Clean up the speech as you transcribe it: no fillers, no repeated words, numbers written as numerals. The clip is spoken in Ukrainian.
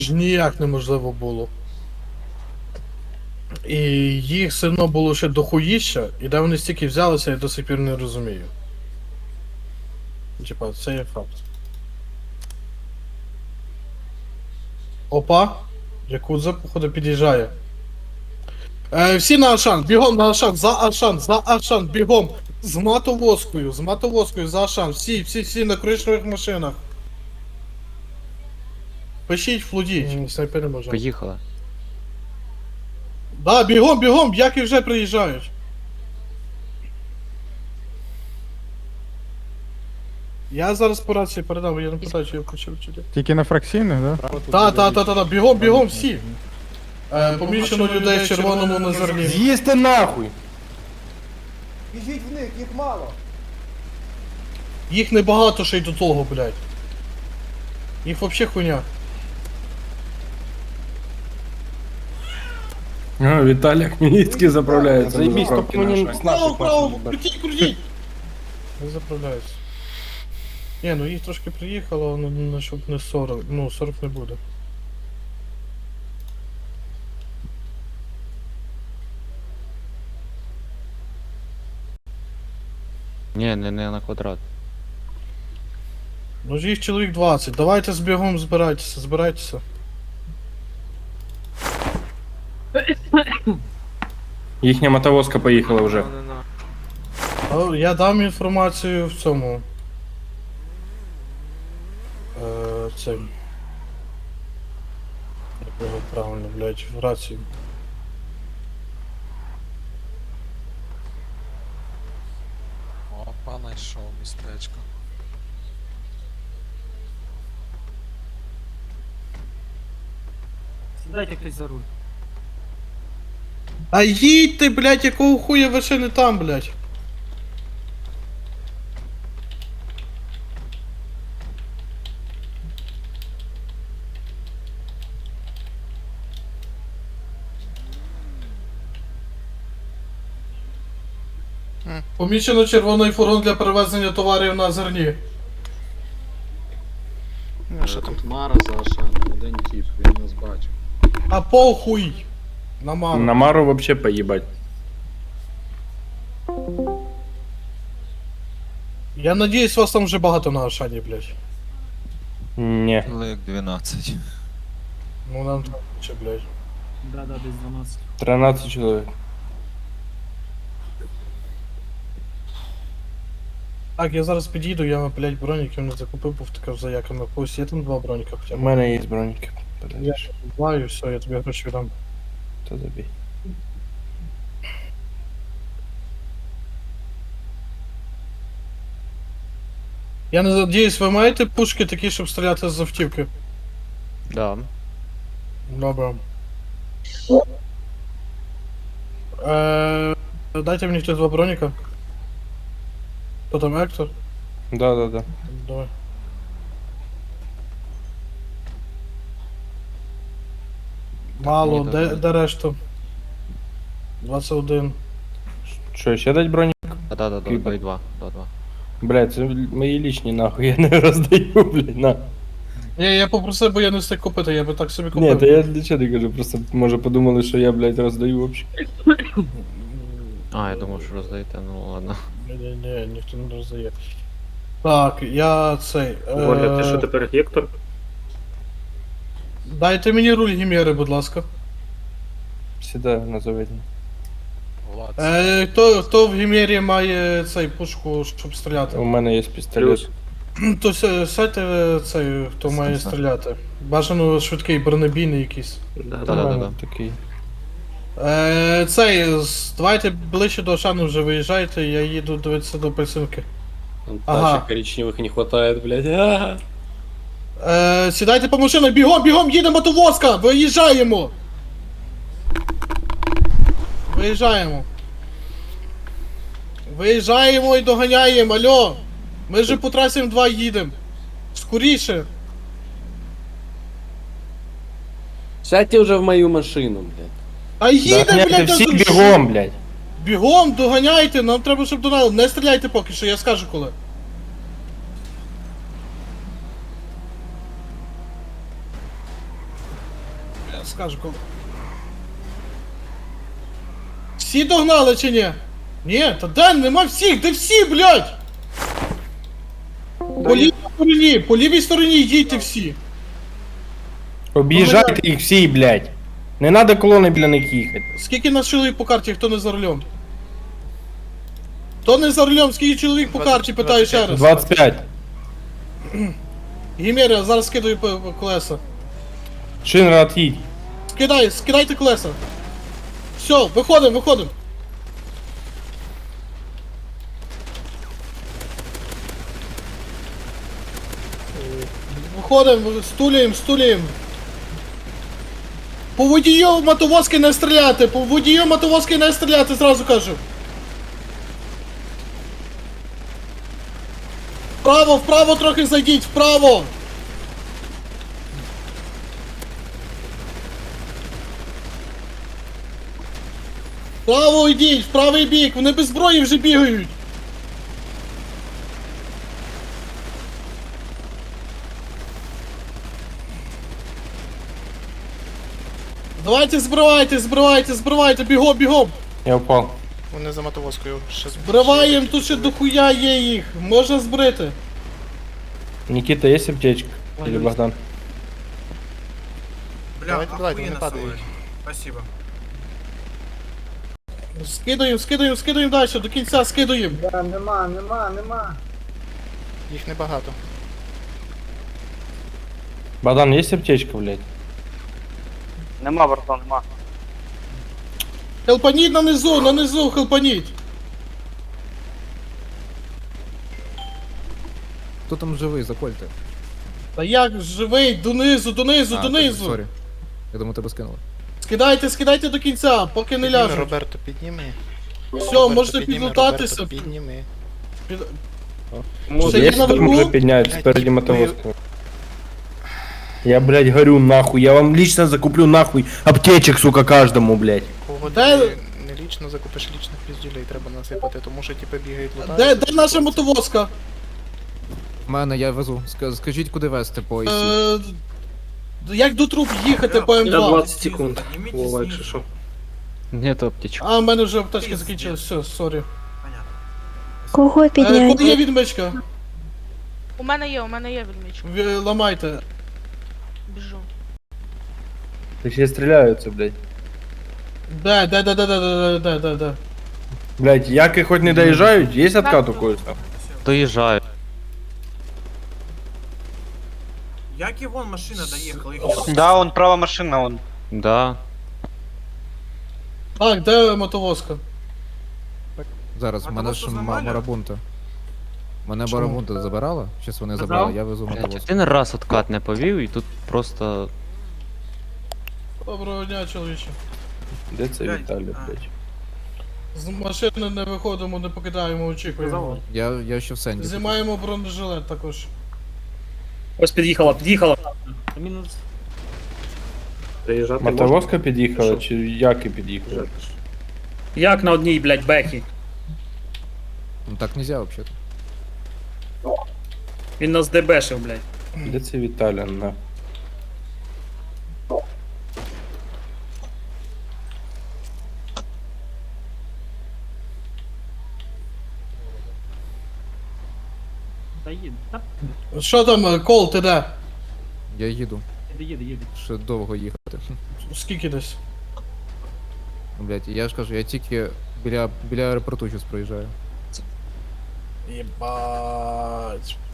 ж ніяк неможливо було. І їх все одно було ще дохуїща, і де вони стільки взялися, я до сих пір не розумію. Типа, це є факт. Опа! Якудза, походу, під'їжджає. Всі на Ашан, бігом на Ашан, за Ашан, бігом! З мотовозкою, за Ашан, всі на коричневих машинах. Пишіть, флудіть, снайпери може. Поїхали. Да, бігом, яки вже приїжджають. Я зараз по рації передам, я не питаю, чи я включив чи ні. Тільки на фракційних, да? Та, бігом всі. Поміщено людей в червоному на зерні. З'їсти нахуй! Біжіть в них, їх мало. Їх небагато ще й до того, блядь. Їх вообще хуйня. Віталій Хмельницький заправляється. Заебись, Заправки тільки мені наші. з наших Право, машин. крутіть! Не заправляюсь. Ні, ну їх трошки приїхало, ну щоб не 40, ну 40 не буде. Ні, не на квадрат. Ну ж їх чоловік 20, давайте з бігом збирайтеся. Їхня мотовозка поїхала вже. Я дам інформацію в цьому. Це. Як його правильно, блядь, в рацію. Опа, знайшов містечко. Сідайте хтось за руль. А їдьте, блядь, якого хуя ви ще не там, блядь? Помічено червоний фургон для перевезення товарів на зерні. А що там? Мара за Ашаном, один тип, він нас бачив. А похуй! На мару. На Мару вообще поїбать. Я надіюсь, вас там вже багато на Ашані, блядь. Ні. Лик 12. Ну нам там ще, блядь. Да, десь 12. 13 чоловік. Так, я зараз під'їду, я, блядь, броніків не закупив, бо втикав за яками. Ось є там 2 броніка хоча У б. мене є броніки. Я знаю, все, я тобі гроші віддам. То забій. Я не надіюсь, ви маєте пушки такі, щоб стріляти з автівки? Да. Добре. Дайте мені хтось 2 броніка. Хто там, Ектор? Да. Давай. Мало, Ні, де решту? 21. Що, ще дать бронік? Да, Кіпер. 2. Блядь, це мої лічні нахуй, я не роздаю, блядь, на. Ні, я попросив, бо я не встиг купити, я би так собі купив. Ні, то я для чого не кажу, просто може подумали, що я, блядь, роздаю вообще. А, я думав, що роздаєте, ну ладно. Ні, ніхто не роздає. Так, я цей. Оля, ти що тепер Гектор? Дайте мені руль Гімєри, будь ласка. Сідаю на заведення. Влад. Хто в Гімєрі має цей пушку, щоб стріляти? У мене є пістолет. То сядьте цей, хто має стріляти. Бажано швидкий бронебійний якийсь. Да. Такий. Давайте ближче до Ашану вже виїжджайте, я їду дивитися до Пельсинки. Ага. Тачек коричневых не хватает, блядь. Ага. Сідайте по машинах, бігом, їдемо мотовозка! Виїжджаємо! Виїжджаємо і доганяємо, алло! Ми же по трасі М2 їдемо. Скоріше! Сядьте вже в мою машину, блядь. А їде, Доганяйте блядь, всі на бігом, блядь. Бігом, доганяйте, нам треба, щоб донали. Не стріляйте поки що, я скажу коли. Зараз скажу кого. Всі догнали чи ні? Ні, та де нема всіх, де всі, блядь? По лівій стороні йдіть всі. Об'їжджайте їх всі, блядь. Не надо колони біля них їхати. Скільки нас чоловік по карті, хто не за рулем? Хто не за рулем, скільки чоловік по карті, питаю ще раз. 25. Гімерія, зараз скидаю по колеса. Шинра, от'їдь. Скидайте колеса. Все, виходимо. Виходимо, стулюємо. По водію мотовозки не стріляти, зразу кажу. Вправо трохи зайдіть, вправо. Вправо йдіть, в правий бік, вони без зброї вже бігають. Давайте збривайте, бігом. Я впав. Вони за мотовозкою. Ще Збриваємо, тут ще дохуя є їх, можна збрити. Никита, есть аптечка? Или Богдан? Давайте, вони падають. Скидуємо далі, до кінця скидуємо. Нема. Їх небагато. Богдан, есть аптечка, блядь? Нема, братан, нема. Хелпаніть нанизу, хелпаніть. Хто там живий, закольте. Та як живий, донизу. Сорі. Я думаю, тебе скинули. Скидайте до кінця, поки не Підніми, ляжуть. Роберто, підніми. Все, можете підлутатися. Підніми. Ще є Есть, там наверху? уже поднять спереди мотовозка. Я, блядь, горю нахуй. Я вам лично закуплю нахуй аптечек, сука, каждому, блядь. Кого Де- ти не лічно закупиш, лічних піздюлей треба насипати, тому що типу бігають лутають. Де наша мотовозка? В мене я везу. Скажіть, куди везти по ІСі. Як до труб їхати по Я М2? 20 секунд. Вова, якщо що. Нет аптечок. А, в мене вже аптечки закінчились, все, сорі. Кого Куди є відмичка? У мене є відмічка. Ламайте. Біжу. Все стреляются, блядь. Де. Блядь, яки хоть не доезжают, есть откат у кое-что? Доїжджаю. Як і вон машина доїхала, їх Да, он права машина, он. Да. Так, де мотовозка? Зараз, А мене того, ж що зламали? марабунта. Мене Чому? барабунта забирала? Щас вони забрали, я везу Блядь, мотовоз. один раз откат не повів і тут просто... Доброго дня, чоловіче. Где це Виталий, блядь? З машини не виходимо, не покидаємо, очікуємо. Я ще в сенді. Знімаємо бронежилет також. Ось під'їхала. Приїжджати можна? Мотовозка під'їхала, чи яки під'їхали? Як на одній, блядь, бехі? Ну так нельзя вообще. Він нас дебешив, блядь. Де це Віталя, на? Що там, Кол, ти де? Я їду. Ще довго їхати. Скільки десь? Блять, я ж кажу, я тільки біля аеропорту зараз проїжджаю. Єбать.